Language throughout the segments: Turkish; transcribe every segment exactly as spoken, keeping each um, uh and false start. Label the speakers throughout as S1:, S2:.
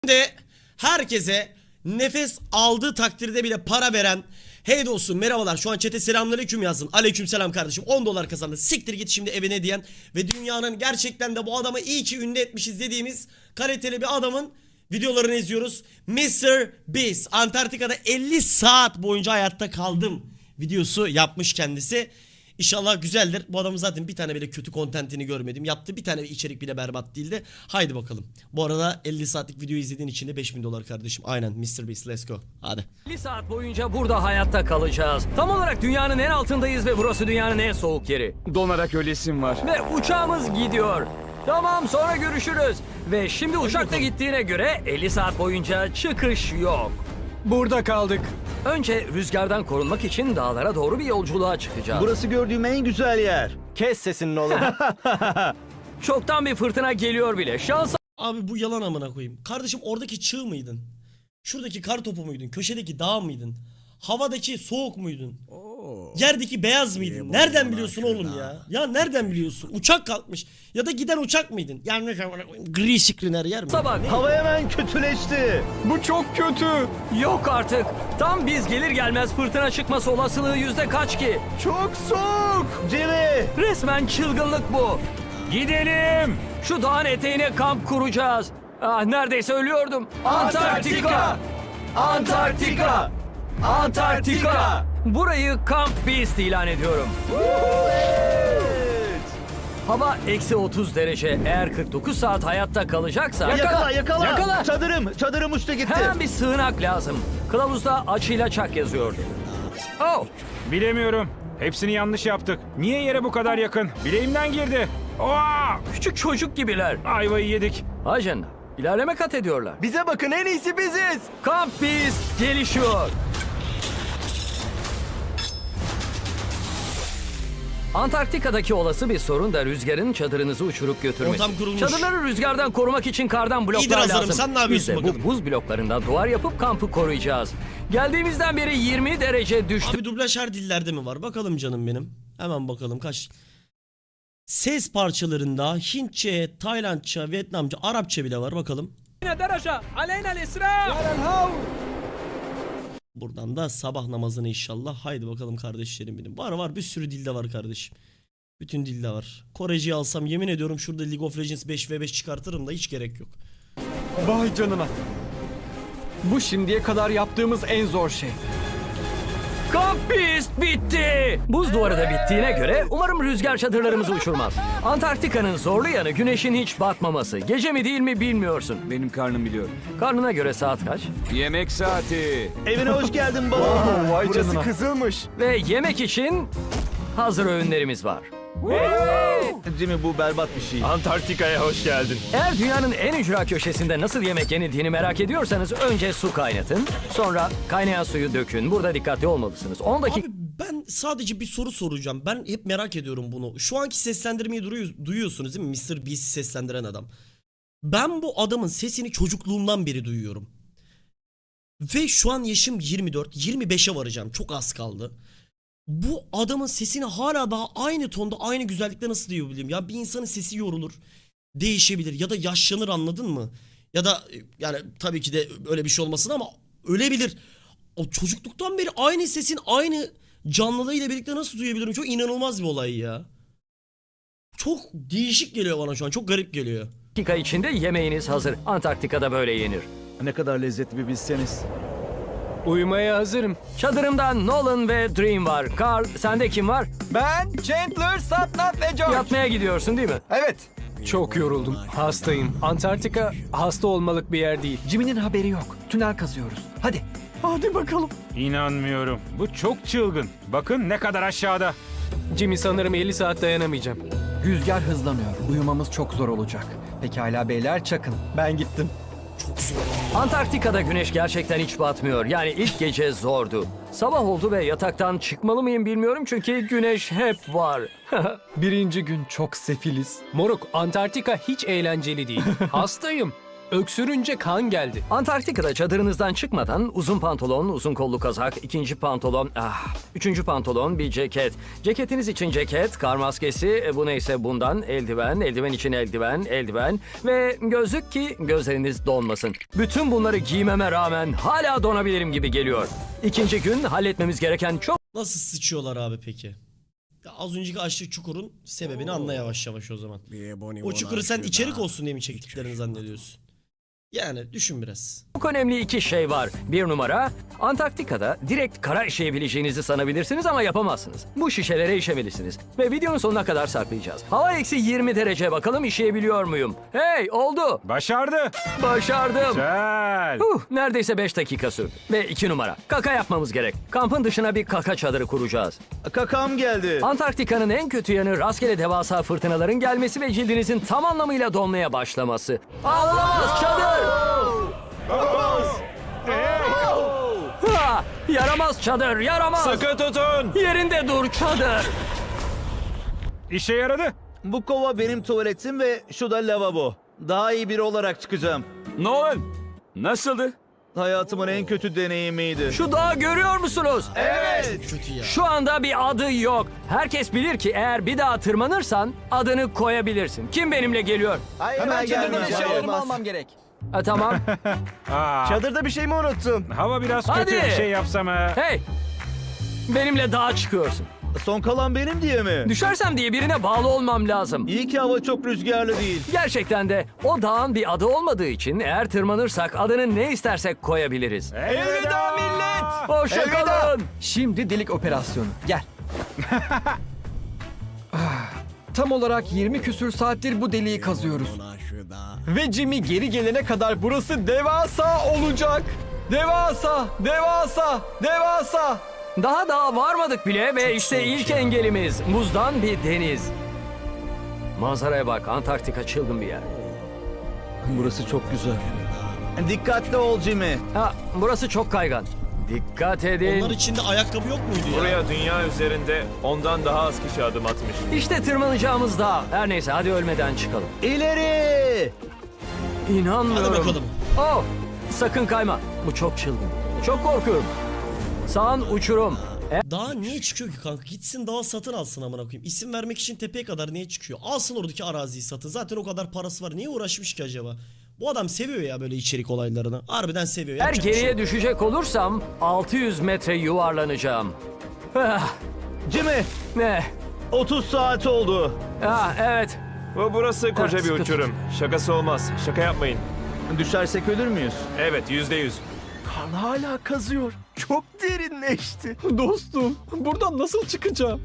S1: de herkese nefes aldığı takdirde bile para veren hey dostum merhabalar, şu an chat'e selamünaleyküm yazın. Aleykümselam kardeşim, on dolar kazandı, siktir git şimdi evine diyen ve dünyanın gerçekten de bu adamı iyi ki ünlü etmişiz dediğimiz kaliteli bir adamın videolarını izliyoruz. mister Beast Antarktika'da elli saat boyunca hayatta kaldım videosu yapmış kendisi. İnşallah güzeldir. Bu adamın zaten bir tane bile kötü kontentini görmedim. Yaptığı bir tane içerik bile berbat değildi. Haydi bakalım. Bu arada elli saatlik video izlediğin için de beş bin dolar kardeşim. Aynen mister Beast, let's go. Hadi.
S2: elli saat boyunca burada hayatta kalacağız. Tam olarak dünyanın en altındayız ve burası dünyanın en soğuk yeri.
S3: Donarak ölesim var.
S2: Ve uçağımız gidiyor. Tamam, sonra görüşürüz. Ve şimdi uçakta gittiğine göre elli saat boyunca çıkış yok.
S3: Burada kaldık.
S2: Önce rüzgardan korunmak için dağlara doğru bir yolculuğa çıkacağız.
S4: Burası gördüğüm en güzel yer.
S5: Kes sesini oğlum.
S2: Çoktan bir fırtına geliyor bile. Şansa
S1: Abi bu yalan amına koyayım. Kardeşim oradaki çığ mıydın? Şuradaki kar topu muydun? Köşedeki dağ mıydın? Havadaki soğuk muydun? Yerdeki beyaz mıydın? Nereden biliyorsun oğlum ya? Ya nereden biliyorsun? Uçak kalkmış. Ya da giden uçak mıydın? Yani gri screen her yer mi?
S2: bak.
S4: Hava hemen kötüleşti.
S3: Bu çok kötü.
S2: Yok artık. Tam biz gelir gelmez fırtına çıkması olasılığı yüzde kaç ki?
S4: Çok soğuk. Jimmy.
S2: Resmen çılgınlık bu.
S3: Gidelim.
S2: Şu dağın eteğine kamp kuracağız. Ah, neredeyse ölüyordum. Antarktika! Antarktika! Antarktika! Burayı Camp Beast ilan ediyorum. Hava eksi otuz derece. Eğer kırk dokuz saat hayatta kalacaksa...
S4: Yakala yakala.
S2: Yakala!
S4: Çadırım. Çadırım uçtu gitti.
S2: Hemen bir sığınak lazım. Kılavuzda açıyla çak yazıyordu. Oh!
S3: Bilemiyorum. Hepsini yanlış yaptık. Niye yere bu kadar yakın? Bileğimden girdi. Oha!
S2: Küçük çocuk gibiler.
S3: Ayvayı yedik.
S2: Ajan, ilerleme kat ediyorlar.
S5: Bize bakın, en iyisi biziz.
S2: Camp Beast gelişiyor. Antarktika'daki olası bir sorun da rüzgarın çadırınızı uçurup götürmesi.
S1: Ortam kurulmuş.
S2: Çadırları rüzgardan korumak için kardan bloklar
S1: İyidir Hazarım,
S2: lazım.
S1: sen ne yapıyorsun
S2: Biz de bu
S1: bakalım?
S2: buz bloklarından duvar yapıp kampı koruyacağız. Geldiğimizden beri yirmi derece düştü.
S1: Abi dublaj her dillerde mi var? Bakalım canım benim. Hemen bakalım kaç. Ses parçalarında Hintçe, Taylandça, Vietnamca, Arapça bile var. Bakalım. Buradan da sabah namazını inşallah. Haydi bakalım kardeşlerim benim. Var var, bir sürü dilde var kardeşim. Bütün dilde var. Koreciyi alsam yemin ediyorum şurada League of Legends beş ve beş çıkartırım da hiç gerek yok.
S6: Vay canına. Bu şimdiye kadar yaptığımız en zor şey.
S2: Camp Beast bitti. Buz duvarı da bittiğine göre umarım rüzgar çadırlarımızı uçurmaz. Antarktika'nın zorlu yanı güneşin hiç batmaması. Gece mi değil mi bilmiyorsun.
S3: Benim karnım biliyor.
S2: Karnına göre saat kaç?
S3: Yemek saati.
S4: Evine hoş geldin baba.
S6: Vay
S5: Burası
S6: canına.
S5: kızılmış.
S2: Ve yemek için hazır öğünlerimiz var.
S4: Jimmy bu berbat bir şey.
S5: Antarktika'ya hoş geldin.
S2: Eğer dünyanın en ücra köşesinde nasıl yemek yenildiğini merak ediyorsanız önce su kaynatın. Sonra kaynayan suyu dökün. Burada dikkatli olmalısınız. on dakika...
S1: Abi ben sadece bir soru soracağım. Ben hep merak ediyorum bunu. Şu anki seslendirmeyi duruyor- duyuyorsunuz değil mi? mister Beast'i seslendiren adam. Ben bu adamın sesini çocukluğumdan beri duyuyorum. Ve şu an yaşım yirmi dört, yirmi beşe varacağım. Çok az kaldı. Bu adamın sesini hala daha aynı tonda, aynı güzellikte nasıl duyabilirim? Ya bir insanın sesi yorulur, değişebilir ya da yaşlanır, anladın mı? Ya da yani tabii ki de öyle bir şey olmasın ama ölebilir. O çocukluktan beri aynı sesin aynı canlılığıyla birlikte nasıl duyabilirim? Çok inanılmaz bir olay ya. Çok değişik geliyor bana şu an. Çok garip geliyor.
S2: dakika içinde yemeğiniz hazır. Antarktika'da böyle yenir.
S4: Ne kadar lezzetli bir bilseniz.
S6: Uyumaya hazırım.
S2: Çadırımda Nolan ve Dream var. Carl, sende kim var?
S5: Ben Chandler, Satnam ve George.
S2: Yatmaya gidiyorsun değil mi?
S5: Evet.
S6: Çok yoruldum. Hastayım. Antarktika hasta olmalık bir yer değil.
S5: Jimmy'nin haberi yok. Tünel kazıyoruz. Hadi. Hadi bakalım.
S3: İnanmıyorum. Bu çok çılgın. Bakın ne kadar aşağıda.
S6: Jimmy, sanırım elli saat dayanamayacağım.
S5: Rüzgar hızlanıyor. Uyumamız çok zor olacak. Pekala beyler, çakın. Ben gittim.
S2: Antarktika'da güneş gerçekten hiç batmıyor. Yani ilk gece zordu. Sabah oldu ve yataktan çıkmalı mıyım bilmiyorum çünkü güneş hep var.
S5: Birinci gün çok sefiliz.
S6: Moruk, Antarktika hiç eğlenceli değil. Hastayım. Öksürünce kan geldi.
S2: Antarktika'da çadırınızdan çıkmadan uzun pantolon, uzun kollu kazak, ikinci pantolon, ah, üçüncü pantolon, bir ceket. Ceketiniz için ceket, kar maskesi, e, bu neyse bundan, eldiven, eldiven için eldiven, eldiven ve gözlük ki gözleriniz donmasın. Bütün bunları giymeme rağmen hala donabilirim gibi geliyor. İkinci gün halletmemiz gereken çok
S1: Nasıl sıçıyorlar abi peki? Ya az önceki açlık çukurun sebebini anla yavaş yavaş o zaman. O çukuru sen içerik olsun diye mi çektiklerini zannediyorsun? Yani düşün biraz.
S2: Çok önemli iki şey var. Bir numara, Antarktika'da direkt kara işeyebileceğinizi sanabilirsiniz ama yapamazsınız. Bu şişelere işemelisiniz. Ve videonun sonuna kadar saklayacağız. Hava eksi yirmi derece, bakalım işeyebiliyor muyum? Hey, oldu.
S3: Başardı.
S2: Başardım.
S3: Güzel.
S2: Huh, neredeyse beş dakika sürdü. Ve iki numara, kaka yapmamız gerek. Kampın dışına bir kaka çadırı kuracağız.
S4: Kakam geldi.
S2: Antarktika'nın en kötü yanı rastgele devasa fırtınaların gelmesi ve cildinizin tam anlamıyla donmaya başlaması. Ağlamaz çadır! Ha, yaramaz çadır, yaramaz!
S3: Sıkı tutun.
S2: Yerinde dur çadır!
S3: İşe yaradı.
S4: Bu kova benim tuvaletim ve şu da lavabo. Daha iyi biri olarak çıkacağım.
S3: Nolan. Nasıldı?
S4: Hayatımın en kötü deneyimiydi.
S2: Şu dağı görüyor musunuz?
S4: Evet.
S1: Kötü ya.
S2: Şu anda bir adı yok. Herkes bilir ki eğer bir daha tırmanırsan adını koyabilirsin. Kim benimle geliyor?
S5: Hemen çadırdan
S4: gelmeyeceğim.
S5: eşyalarımı almam gerek.
S2: Ha, tamam.
S3: Aa,
S4: Çadırda bir şey mi unuttum?
S3: hava biraz
S2: Hadi.
S3: kötü. Bir şey yapsam ha.
S2: Hey! Benimle dağa çıkıyorsun.
S4: Son kalan benim diye mi?
S2: Düşersem diye birine bağlı olmam lazım.
S4: İyi ki hava çok rüzgarlı değil.
S2: Gerçekten de o dağın bir adı olmadığı için eğer tırmanırsak adını ne istersek koyabiliriz.
S3: Elveda millet.
S2: Hoşça kalın.
S5: Şimdi delik operasyonu. Gel. Ah, Tam olarak yirmi küsür saattir bu deliği kazıyoruz. Ve Jimmy geri gelene kadar burası devasa olacak. Devasa, devasa, devasa.
S2: Daha dağa varmadık bile ve işte ilk engelimiz buzdan bir deniz. Manzaraya bak, Antarktika çılgın bir yer.
S4: Burası çok güzel. Dikkatli ol Jimmy.
S2: Ha, burası çok kaygan. Dikkat edin.
S1: Onlar içinde ayakkabı yok muydu ya?
S7: Buraya dünya üzerinde ondan daha az kişi adım atmış.
S2: İşte tırmanacağımız dağ. Her neyse hadi ölmeden çıkalım.
S4: İleri!
S2: İnanmıyorum.
S1: Hadi bakalım.
S2: Oh, sakın kayma. Bu çok çılgın. Çok korkuyorum. Sağın uçurum.
S1: Dağa niye çıkıyor ki kanka? Gitsin dağa satın alsın amına koyayım. İsim vermek için tepeye kadar niye çıkıyor? Alsın oradaki araziyi satın. Zaten o kadar parası var. Niye uğraşmış ki acaba? Bu adam seviyor ya böyle içerik olaylarını. Harbiden seviyor.
S2: Eğer
S1: Yapacak bir şey
S2: geriye
S1: yok.
S2: düşecek olursam altı yüz metre yuvarlanacağım. Ah,
S4: Jimmy,
S2: ne?
S4: otuz saat oldu.
S2: Ah, evet.
S7: Ve burası koca bir
S2: sıkı
S7: uçurum. Şakası olmaz. Şaka yapmayın.
S4: Düşersek ölür müyüz?
S7: Evet, yüzde yüz.
S4: Kan hala kazıyor. Çok derinleşti.
S6: Dostum, buradan nasıl çıkacağım?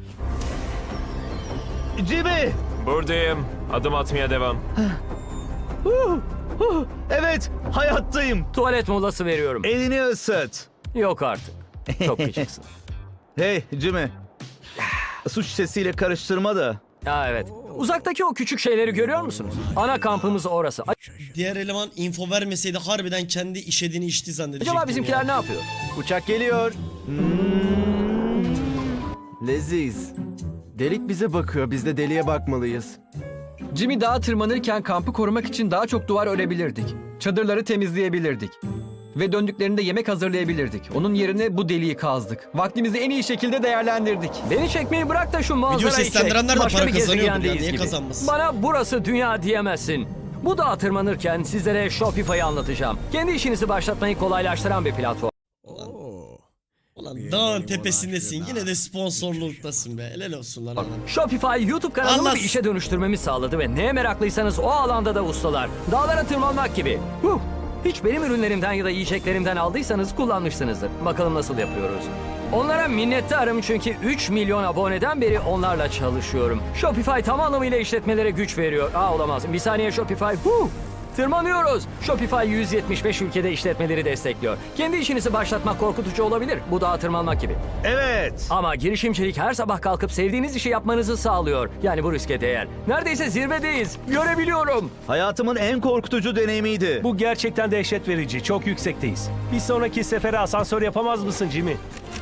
S4: Jimmy!
S7: Buradayım. Adım atmaya devam.
S4: Huh, huh. Evet, hayattayım.
S2: Tuvalet molası veriyorum.
S4: Elini ısıt.
S2: Yok artık. Çok küçüksün.
S4: Hey Jimmy. Su şişesiyle karıştırma da.
S2: Ha, evet. Uzaktaki o küçük şeyleri görüyor musunuz? Ana kampımız orası.
S1: Diğer eleman info vermeseydi harbiden kendi işediğini içti zannedecektim
S2: Acaba bizimkiler
S1: ya.
S2: ne yapıyor?
S4: Uçak geliyor. Hmm. Leziz. Delik bize bakıyor. Biz de deliğe bakmalıyız.
S5: Jimmy dağa tırmanırken kampı korumak için daha çok duvar örebilirdik. Çadırları temizleyebilirdik. Ve döndüklerinde yemek hazırlayabilirdik. Onun yerine bu deliği kazdık. Vaktimizi en iyi şekilde değerlendirdik.
S2: Beni çekmeyi bırak da şu manzarayı çek.
S1: seslendirenler de
S2: Başka
S1: para
S2: bir
S1: kazanıyordur ya,
S2: gezegendeyiz
S1: niye
S2: gibi.
S1: kazanmasın?
S2: Bana burası dünya diyemezsin. Bu dağa tırmanırken sizlere Shopify'ı anlatacağım. Kendi işinizi başlatmayı kolaylaştıran bir platform.
S1: Ulan dağın tepesindesin yine de sponsorluktasın be. Helal olsun lan adam.
S2: Shopify YouTube kanalını
S1: Anlat.
S2: bir işe dönüştürmemi sağladı ve neye meraklıysanız o alanda da ustalar. Dağlara tırmanmak gibi. Huh. Hiç benim ürünlerimden ya da yiyeceklerimden aldıysanız kullanmışsınızdır. Bakalım nasıl yapıyoruz. Onlara minnettarım çünkü üç milyon aboneden beri onlarla çalışıyorum. Shopify tam anlamıyla işletmelere güç veriyor. Aa olamaz. Bir saniye Shopify. Huh. Tırmanıyoruz. Shopify yüz yetmiş beş ülkede işletmeleri destekliyor. Kendi işinizi başlatmak korkutucu olabilir. Bu dağa tırmanmak gibi.
S4: Evet.
S2: Ama girişimcilik her sabah kalkıp sevdiğiniz işi yapmanızı sağlıyor. Yani bu riske değer. Neredeyse zirvedeyiz. Görebiliyorum.
S4: Hayatımın en korkutucu deneyimiydi.
S8: Bu gerçekten dehşet verici. Çok yüksekteyiz. Bir sonraki sefere asansör yapamaz mısın Jimmy?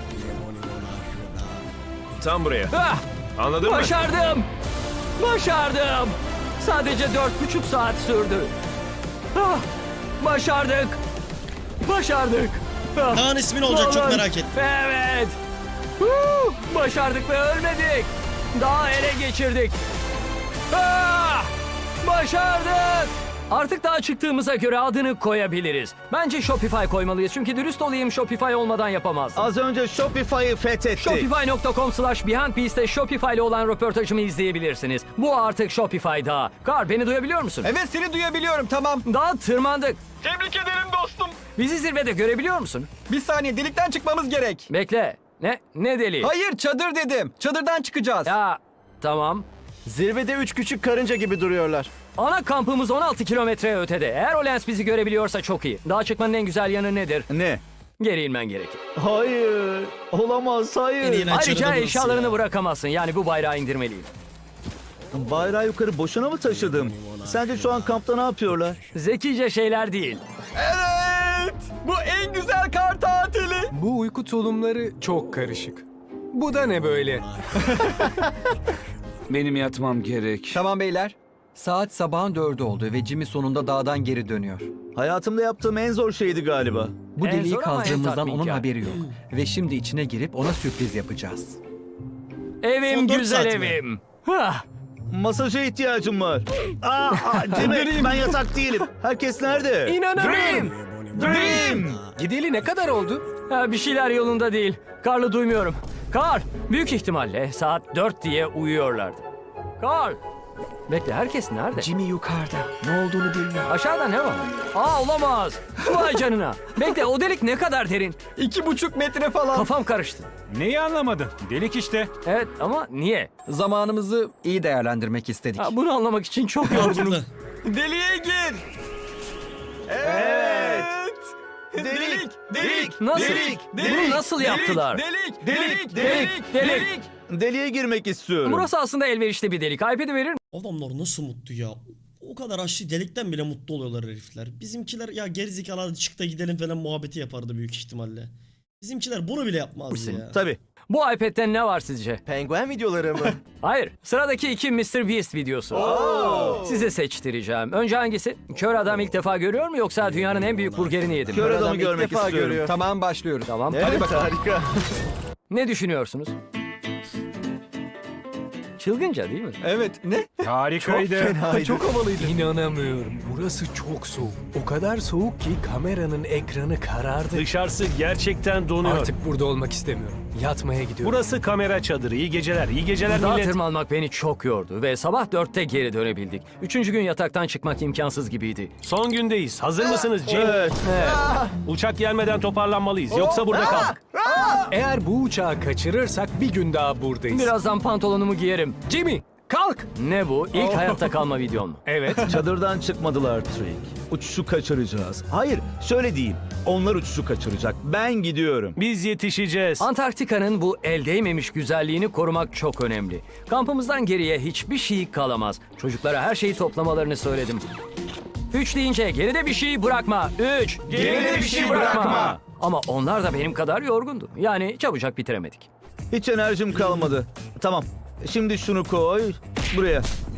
S7: Tam buraya.
S2: Ah!
S7: Anladın mı?
S2: Başardım. Başardım. Sadece dört buçuk saat sürdü. Ah! Başardık. Başardık. Ah,
S1: Dağın ismi ne olacak çok
S2: oğlum.
S1: merak ettim.
S2: Evet. Huu, başardık ve ölmedik. Dağı ele geçirdik. Ah, başardık. Artık dağa çıktığımıza göre adını koyabiliriz. Bence Shopify koymalıyız. Çünkü dürüst olayım, Shopify olmadan yapamazdım.
S9: Az önce Shopify'ı fethettik.
S2: Shopify nokta com slash Behind Piece'te Shopify ile olan röportajımı izleyebilirsiniz. Bu artık Shopify dağı. Kar, beni duyabiliyor musun?
S5: Evet, seni duyabiliyorum, tamam.
S2: Dağa tırmandık.
S5: Tebrik ederim dostum.
S2: Bizi zirvede görebiliyor musun?
S5: Bir saniye, delikten çıkmamız gerek.
S2: Bekle. Ne? Ne deli?
S5: Hayır, çadır dedim. Çadırdan çıkacağız.
S2: Ya tamam.
S4: Zirvede üç küçük karınca gibi duruyorlar.
S2: Ana kampımız on altı kilometre ötede. Eğer o lens bizi görebiliyorsa çok iyi. Dağa çıkmanın en güzel yanı nedir?
S9: Ne?
S2: Geri inmen gerekir.
S9: Hayır. Olamaz,
S1: En
S9: hayır.
S1: iyi
S2: Ayrıca
S1: burası
S2: eşyalarını
S1: ya.
S2: bırakamazsın. Yani bu bayrağı indirmeliyim.
S9: Bayrağı yukarı boşuna mı taşıdım? Sence şu an kampta ne yapıyorlar?
S2: Zekice şeyler değil.
S5: Evet. Bu en güzel kar tatili.
S6: Bu uyku tulumları çok karışık. Bu da ne böyle?
S10: Benim yatmam gerek.
S5: Tamam beyler. Saat sabahın dördü oldu ve Jimmy sonunda dağdan geri dönüyor.
S9: Hayatımda yaptığım en zor şeydi galiba.
S5: Bu
S2: En
S5: deliği
S2: zor ama en
S5: kazdığımızdan
S2: tatminkar.
S5: onun haberi yok. Ve şimdi içine girip ona sürpriz yapacağız.
S2: Evim
S1: Son dört
S2: güzel
S1: saat mi?
S2: evim. Hah.
S9: Masaja ihtiyacım var. Aa, aa Jimmy, ben yatak değilim. Herkes nerede?
S6: İnanamıyorum.
S9: Dream!
S6: Gideli ne kadar oldu?
S2: Ha, bir şeyler yolunda değil. Karlı duymuyorum. Kar, büyük ihtimalle saat dört diye uyuyorlardı. Kar. Bekle, herkes nerede?
S6: Jimmy yukarıda. Ne olduğunu bilmiyorum.
S2: Aşağıda ne var? Aa, olamaz. Vay canına. Bekle, o delik ne kadar derin?
S5: İki buçuk metre falan.
S2: Kafam karıştı.
S3: Neyi anlamadın? Delik işte.
S2: Evet ama niye?
S5: Zamanımızı iyi değerlendirmek istedik.
S2: Ha, bunu anlamak için çok yorgunum.
S1: Mantıklı.
S5: Deliğe gir.
S9: Evet. Delik, delik,
S2: Nasıl?
S9: delik,
S2: Bunu nasıl yaptılar?
S5: Delik,
S9: delik,
S2: Delik, delik.
S9: Deliğe girmek istiyorum.
S2: Burası aslında elverişli bir delik. iPad'i verir
S1: Adamlar nasıl mutlu ya. O kadar açlı delikten bile mutlu oluyorlar herifler. Bizimkiler ya gerizekalı hadi çık da gidelim falan muhabbeti yapardı büyük ihtimalle. Bizimkiler bunu bile yapmaz
S2: Misin?
S1: ya.
S9: Tabii.
S2: Bu iPad'den ne var sizce?
S4: Penguen videoları mı?
S2: Hayır. Sıradaki iki mister Beast videosu. Size seçtireceğim. Önce hangisi? Kör adam ilk defa görüyor mu yoksa dünyanın en büyük burgerini yedi mi?
S9: Kör adamı
S4: Adam ilk
S9: görmek
S4: defa
S9: istiyorum.
S4: görüyor.
S5: Tamam, başlıyoruz.
S2: Tamam.
S4: Evet, harika.
S2: Ne düşünüyorsunuz? Çılgınca değil mi?
S5: Evet, ne?
S3: Harikaydı.
S5: Çok havalıydı.
S6: İnanamıyorum. Burası çok soğuk. O kadar soğuk ki kameranın ekranı karardı.
S8: Dışarısı gerçekten donuyor.
S6: Artık burada olmak istemiyorum. Yatmaya gidiyorum.
S8: Burası kamera çadırı. İyi geceler. İyi geceler
S2: Dağa
S8: millet.
S2: tırmanmak beni çok yordu ve sabah dörtte geri dönebildik. Üçüncü gün yataktan çıkmak imkansız gibiydi.
S8: Son gündeyiz. Hazır mısınız Jim?
S9: Evet.
S2: Evet.
S8: Uçak gelmeden toparlanmalıyız. Yoksa burada kaldık.
S6: Eğer bu uçağı kaçırırsak bir gün daha buradayız.
S2: Birazdan pantolonumu giyerim.
S6: Jimmy, kalk.
S2: Ne bu? İlk hayatta kalma videon mu?
S6: Evet.
S9: Çadırdan çıkmadılar Trick. Uçuşu kaçıracağız. Hayır, şöyle diyeyim. Onlar uçuşu kaçıracak. Ben gidiyorum.
S8: Biz yetişeceğiz.
S2: Antarktika'nın bu el değmemiş güzelliğini korumak çok önemli. Kampımızdan geriye hiçbir şey kalamaz. Çocuklara her şeyi toplamalarını söyledim. Üç deyince geride bir şey bırakma. Üç.
S9: Geride bir şey bırakma.
S2: Ama onlar da benim kadar yorgundu. Yani çabucak bitiremedik.
S9: Hiç enerjim kalmadı. Tamam. Şimdi şunu koy. Buraya.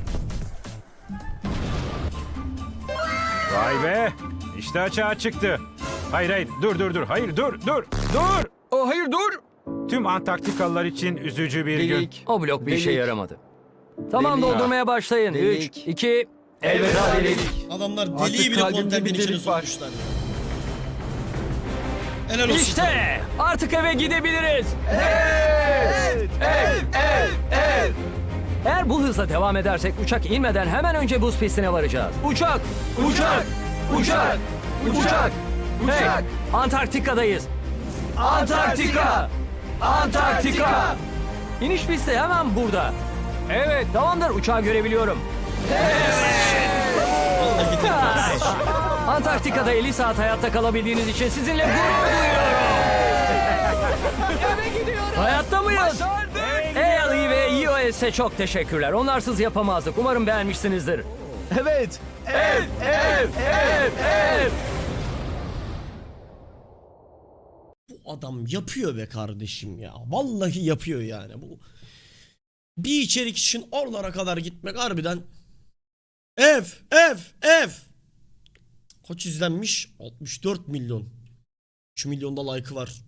S3: Vay be. İşte açığa çıktı. Hayır hayır dur dur dur. Hayır dur dur dur.
S5: Oh, hayır dur.
S3: Tüm Antarktikalılar için üzücü bir gün.
S5: Delik.
S2: O blok bir işe
S5: Delik.
S2: yaramadı. Tamam
S5: Delik.
S2: doldurmaya başlayın. Üç,
S5: Delik.
S2: iki, elveda delik.
S1: Adamlar
S5: Artık
S1: deliği bile
S5: kalbimde
S1: kontentin
S5: bir
S1: içine
S5: delik var.
S1: sokmuşlar. Helal olsun.
S2: İşte artık eve gidebiliriz. Eğer bu hızla devam edersek uçak inmeden hemen önce buz pistine varacağız. Uçak! Uçak! Uçak! Uçak! Hey! Antarktika'dayız. Antarktika! Antarktika! İniş pisti hemen burada. Evet, tamamdır. Uçağı görebiliyorum.
S1: Vallahi gidelim.
S2: Antarktika'da elli saat hayatta kalabildiğiniz için sizinle gurur duyuyorum. Hayatta mıyız? Hey Ali ve E O S'e çok teşekkürler. Onlarsız yapamazdık. Umarım beğenmişsinizdir.
S9: Evet.
S2: Evet, evet, evet, evet.
S1: Bu adam yapıyor be kardeşim ya. Vallahi yapıyor yani. Bu bir içerik için oralara kadar gitmek harbiden ev, ev, ev. Kaç izlenmiş? altmış dört milyon. üç milyonda like'ı var.